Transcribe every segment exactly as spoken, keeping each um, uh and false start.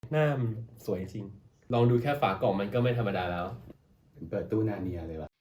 หน้ามันสวยจริงลองดูแค่ฝากล่องมันก็ไม่ธรรมดาแล้วเปิดตู้นาเนียเลยว่ะ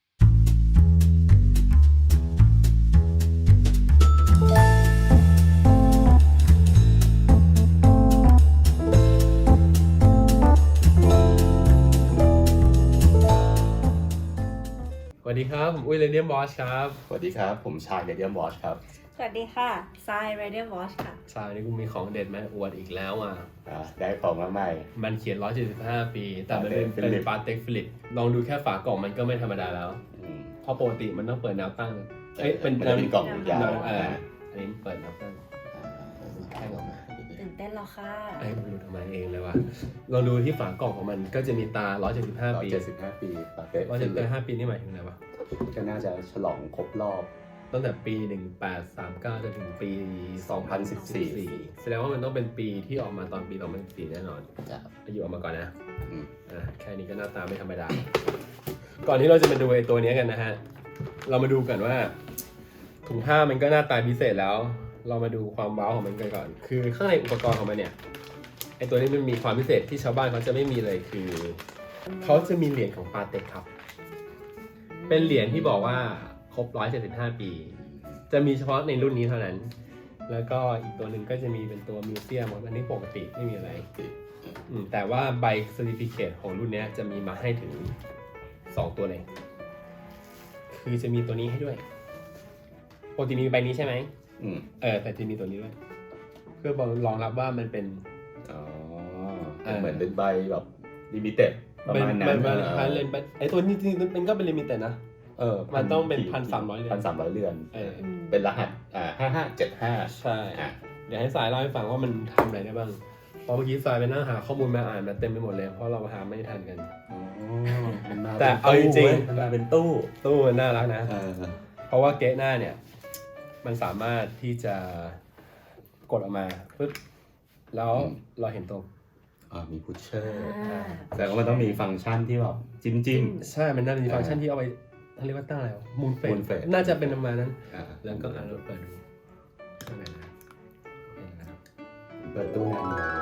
สวัสดีครับผมอุ้ยเรเดียมบอสครับสวัสดีครับผมชายเรเดียมวอชครับสวัสดีค่ะทราย Radiant Watch ค่ะทรายนี่กูมีของเด็ดมาอวดอีกแล้วอ่ะอ่าได้ของมาใหม่มันเขียนหนึ่งร้อยเจ็ดสิบห้าปีแต่มันเป็นเป็นปาเต็กฟิลิปลองดูแค่ฝากล่องมันก็ไม่ธรรมดาแล้วเพราะปกติมันต้องเปิดแนวตั้งเอ้ยเป็นเป็นกล่องยาวอ่าอันนี้เปิดแนวตั้งแค่ออกมาตื่นเต้นแล้วค่ะไอ้ไม่รู้ทำไมเองเลยว่ะลองดูที่ฝากล่องของมันก็จะมีตาหนึ่งร้อยเจ็ดสิบห้าปีหนึ่งร้อยเจ็ดสิบห้าปีปาเต็กหนึ่งร้อยเจ็ดสิบห้าปีนี่หมายถึงอะไรวะก็น่าจะฉลองครบรอบตั้งแต่ปีหนึ่งพันแปดร้อยสามสิบเก้าจนถึงปีสองพันสิบสี่แสดงว่ามันต้องเป็นปีที่ออกมาตอนปีสองพันสิบสี่แน่นอนอายุออกมาก่อนนะอ่าแค่นี้ก็หน้าตาไม่ธรรมดาก่อนที่เราจะมาดูไอ้ตัวนี้กันนะฮะเรามาดูกันว่าถุงผ้ามันก็หน้าตาพิเศษแล้วเรามาดูความว้าวของมันกันก่อนคือข้างในอุปกรณ์ของมันเนี่ยไอ้ตัวนี้มันมีความพิเศษที่ชาวบ้านเขาจะไม่มีเลยคือเขาจะมีเหรียญของปาเต็กครับเป็นเหรียญที่บอกว่าครบหนึ่งร้อยเจ็ดสิบห้าปีจะมีเฉพาะในรุ่นนี้เท่านั้นแล้วก็อีกตัวหนึ่งก็จะมีเป็นตัวมิวเซียมอันนี้ปกติไม่มีอะไรแต่ว่าใบเซอร์ติฟิเคตของรุ่นนี้จะมีมาให้ถึงสองตัวเลยคือจะมีตัวนี้ให้ด้วยปกติมีใบนี้ใช่ไหมเออแต่จะมีตัวนี้ด้วยเพื่อรองรับว่ามันเป็นอ๋อเหมือนเป็นใบแบบลิมิเต็ดประมาณนั้นไอตัวนี้จริงๆมันก็เป็นลิมิเต็ดนะเออมันต้องเป็นพันสามร้อยเรือนพันสามร้อยเรือนเออเป็นรหัสอ่าห้าห้าเจ็ดห้าใช่เดี๋ยวให้สายเล่าให้ฟังว่ามันทำอะไรได้บ้างเพราะเมื่อกี้สายไปนั่งหาข้อมูลมาอ่านมาเต็มไปหมดเลยเพราะเราหาไม่ทันกันแต่เอาจริงๆมันมาเป็นตู้ตู้มันน่ารักนะเพราะว่าเกะหน้าเนี่ยมันสามารถที่จะกดออกมาปึ๊บแล้วเราเห็นตรงอ่ามีพุชเชอร์แต่ว่ามันต้องมีฟังก์ชันที่แบบจิ้มจิ้มใช่มันน่าจะมีฟังก์ชันที่เอาไปเขาเรียกว่าตั้งอะไรวะมูนเฟสน่าจะเป็นประมาณนั้นแล้วก็อ่านเราเปิดดูข้างในนะเปิดตู้นาเนีย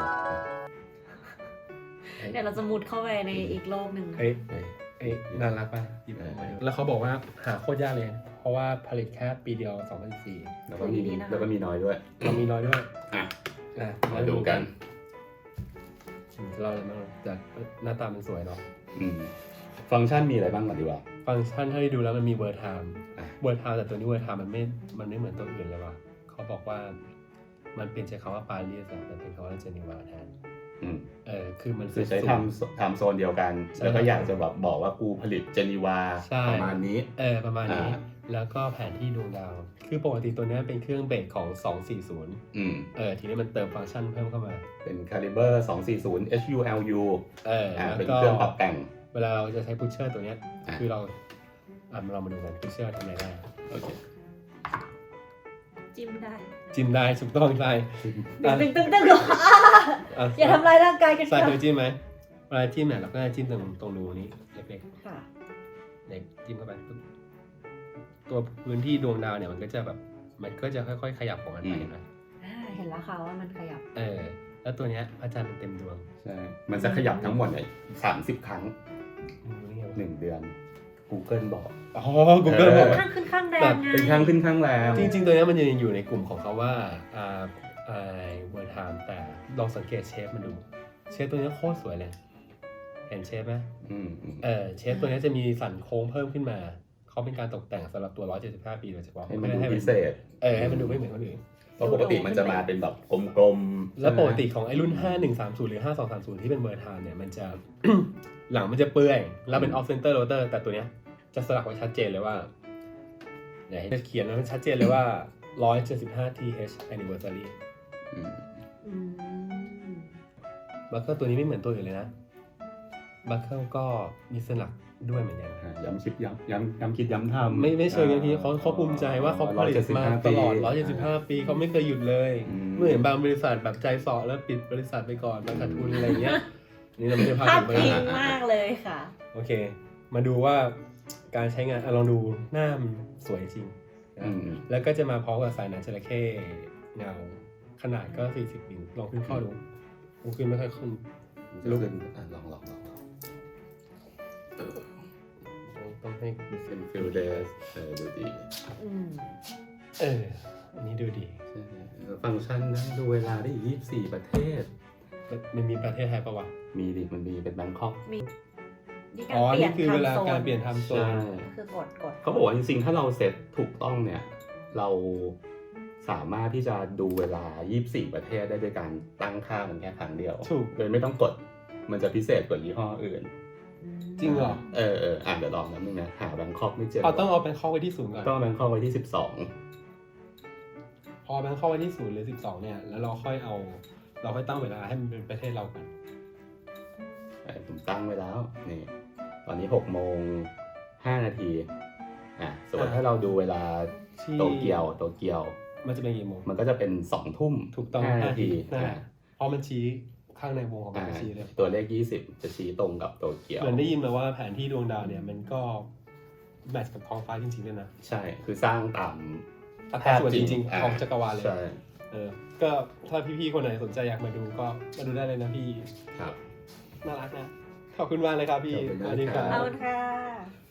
เดี๋ยวเราจะมุดเข้าไปในอีกโลกหนึ่งเอ้ยเอ้ยน่ารักป่ะหยิบออกมาแล้วเขาบอกว่าหาโคตรยากเลยเพราะว่าผลิตแค่ปีเดียวสองพันสิบสี่แล้วก็มีแล้วก็มีน้อยด้วยเรามีน้อยด้วยอ่ะมาดูกันเราเลยจากหน้าตามันสวยเนาะฟังก์ชันมีอะไรบ้างก่อนดีกว่าฟังก์ชันถ้าได้ดูแล้วมันมีเวอร์ไทม์เวอร์ไทม์แต่ตัวนี้เวอร์ไทม์มันไม่มันไม่เหมือนตัวอื่นเลยว่ะเขาบอกว่ามันเปลี่ยนจากคำว่าปารีสแต่เป็นคำว่าเจนีวาแทนเออคือมันคือใช้ทำทำโซนเดียวกันแล้วก็อยากจะแบบบอกว่ากูผลิตเจนีวาประมาณนี้เออประมาณนี้แล้วก็แผนที่ดวงดาวคือปกติตัวนี้เป็นเครื่องเบสของสองสี่ศูนย์อืมเออทีนี้มันเติมฟังก์ชันเพิ่มเข้ามาเป็น Caliber สองสี่ศูนย์ เอช ยู แอล ยูเออเป็นเครื่องปรับแต่งเวลาเราจะใช้พุชเชอร์ตัวนี้คือเราอ่ะเรามาดูกันพุชเชอร์ทำอะไรได้โอเคจิ้มได้จิ้มได้ถูกต้องใช่ตึงตึงตึงตึงอย่าทำลายร่างกายกันใส่เคยจิ้มไหมเวลาจิ้มเนี่ยเราก็จะจิ้มตรงตรงรูนี้เล็กๆค่ะเล็กจิ้มเข้าไปตัวพื้นที่ดวงดาวเนี่ยมันก็จะแบบมันก็จะค่อยๆขยับของมันไปเห็นไหมเห็นแล้วค่ะว่ามันขยับเออแล้วตัวเนี้ยพระจันทร์มันเต็มดวงใช่มันจะขยับทั้งหมดเนี่ยสามสิบครั้งหนึ่งเดือน Google บอกอ๋อ Google บอกข้างขึ้นข้างแรงไงเป็นข้างขึ้นข้างแรงจริงๆตัวนี้มันยังอยู่ในกลุ่มของเขาว่าอ่าอ่าเวอร์ไทม์แต่ลองสังเกตเชฟมันดูเชฟตัวนี้โคตรสวยเลยเห็นเชฟไหมอืมเออเชฟตัวนี้จะมีสันโค้งเพิ่มขึ้นมาเขาเป็นการตกแต่งสำหรับตัวหนึ่งร้อยเจ็ดสิบห้าปีโดยเฉพาะให้มันดูพิเศษเออให้มันดูไม่เหมือนคนอื่นเพราะปกติมันจะมาเป็นแบบกลมๆแล้วปกติของไอ้รุ่นห้าหนึ่งสามศูนย์หรือห้าสองสามศูนย์ที่เป็นเวอร์ไทม์เนี่ยมันจะ หลังมันจะเปื่อยแล้วเป็นออฟเซนเตอร์โรเตอร์แต่ตัวเนี้ยจะสลักไว้ชัดเจนเลยว่าเนี่ยจะเขียนไว้ชัดเจนเลยว่าหนึ่งร้อยเจ็ดสิบห้า ที เอช anniversary บัคเกิลตัวนี้ไม่เหมือนตัวอื่นเลยนะบัคเกิลก็มีสลักด้วยเหมือนกันย้ำคิดย้ำย้ำย้ำคิดย้ำทำไม่ไม่เชิงอย่างที่เขาเขาภูมิใจว่าเขาผลิตมาตลอดหนึ่งร้อยเจ็ดสิบห้าปีเขาไม่เคยหยุดเลยเมื่อเห็นบางบริษัทแบบใจส่อแล้วปิดบริษัทไปก่อนขาดทุนอะไรเงี้ยนี่เราไม่ได้พาถึงบริษัทมากเลยค่ะโอเคมาดูว่าการใช้งานลองดูหน้ามันสวยจริงแล้วก็จะมาพร้อมกับสายหนังจระเข้เงาขนาดก็สี่สิบมิลลองขึ้นข้อดูขึ้นไม่ค่อยขึ้นลุกขึ้นอ่ะลองลองลองลองต้องให้เป็นฟิลเดสเออดูดีอืมเอออันนี้ดูดีใช่ฟังก์ชันนะดูเวลาได้อีกยี่สิบสี่ประเทศมันมีประเทศไทยปะวะมีดิมันมีเป็นแบงคอกมีนี่อ๋อการเปลี่ยนี่นคือเวลาไทม์โซนการเปลี่ยนไทม์โซใช่นคือกดกดเขาบอกว่าจริงๆ ถ้าเราเซ็ตถูกต้องเนี่ย เราสามารถที่จะดูเวลายี่สิบสี่ประเทศได้ด้วยการตั้งค่ามันแค่ครั้งเดียวถูกโดยไม่ต้องกด มันจะพิเศษกว่ายี่ห้ออื่นจริงเหรอเออเอออ่านเดี๋ยวลองนะมึงนะ หาแบงคอกไม่เจอเอาต้องเอาแบงคอกไว้ที่ศูนย์ก่อนก็แบงคอกไว้ที่สิบสองพอแบงคอกไว้ที่ศูนย์หรือสิบสองเนี่ย แล้วเราค่อยเอา เราค่อยตั้งเวลาให้มันเป็นประเทศเรากันผมตั้งไว้แล้ว นี่ ตอนนี้หกโมงห้านาที อ่ะสมมติถ้าเราดูเวลาที่โตเกียว โตเกียวมันจะเป็นกี่โมงมันก็จะเป็นสองทุ่มถูกต้องห้านาทีนั่นแหอ่าละเพราะมันชี้ข้างในวงของมัอ่านชี้เลยตัวเลขยี่สิบจะชี้ตรงกับโตเกียวเหมือนได้ยินมาว่าแผนที่ดวงดาวเนี่ย มันก็แมทช์กับท้องฟ้าจริงๆด้วยนะใช่ คือสร้างตามอัตราส่วนจริงๆของจักรวาลเลยใช่เออ ก็ถ้าพี่ๆคนไหนสนใจอยากมาดูก็มาดูได้เลยนะพี่ครับน่ารักนะ ขอบคุณมากเลยครับพี่ขอบคุณมากสวัสดีครัคเอารับค่ะ